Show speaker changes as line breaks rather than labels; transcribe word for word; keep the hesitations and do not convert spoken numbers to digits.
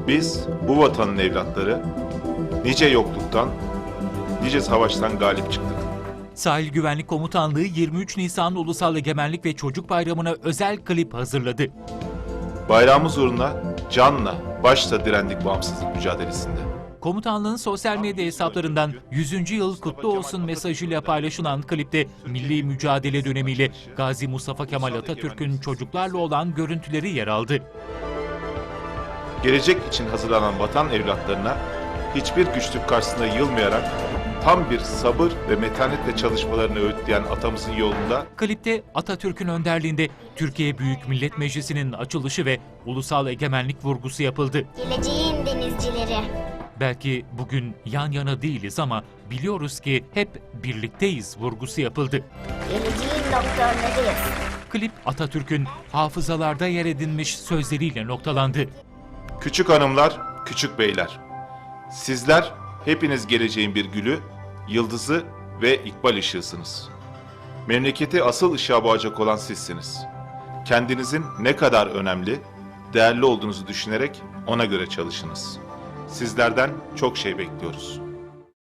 Biz bu vatanın evlatları nice yokluktan, nice savaştan galip çıktık.
Sahil Güvenlik Komutanlığı yirmi üç Nisan Ulusal Egemenlik ve Çocuk Bayramı'na özel klip hazırladı.
Bayrağımız uğruna canla, başla direndik bağımsızlık mücadelesinde.
Komutanlığın sosyal medya hesaplarından yüzüncü yıl kutlu olsun mesajıyla paylaşılan klipte milli mücadele dönemiyle Gazi Mustafa Kemal Atatürk'ün çocuklarla olan görüntüleri yer aldı.
Gelecek için hazırlanan vatan evlatlarına hiçbir güçlük karşısında yılmayarak tam bir sabır ve metanetle çalışmalarını öğütleyen atamızın yolunda
Klipte Atatürk'ün önderliğinde Türkiye Büyük Millet Meclisi'nin açılışı ve ulusal egemenlik vurgusu yapıldı.
Geleceğin denizcileri.
Belki bugün yan yana değiliz ama biliyoruz ki hep birlikteyiz vurgusu yapıldı.
Geleceğin doktorlarıyız.
Klip Atatürk'ün hafızalarda yer edinmiş sözleriyle noktalandı.
küçük hanımlar, küçük beyler. Sizler hepiniz geleceğin bir gülü, yıldızı ve ikbal ışığısınız. Memleketi asıl ışığa boğacak olan sizsiniz. Kendinizin ne kadar önemli, değerli olduğunuzu düşünerek ona göre çalışınız. Sizlerden çok şey bekliyoruz.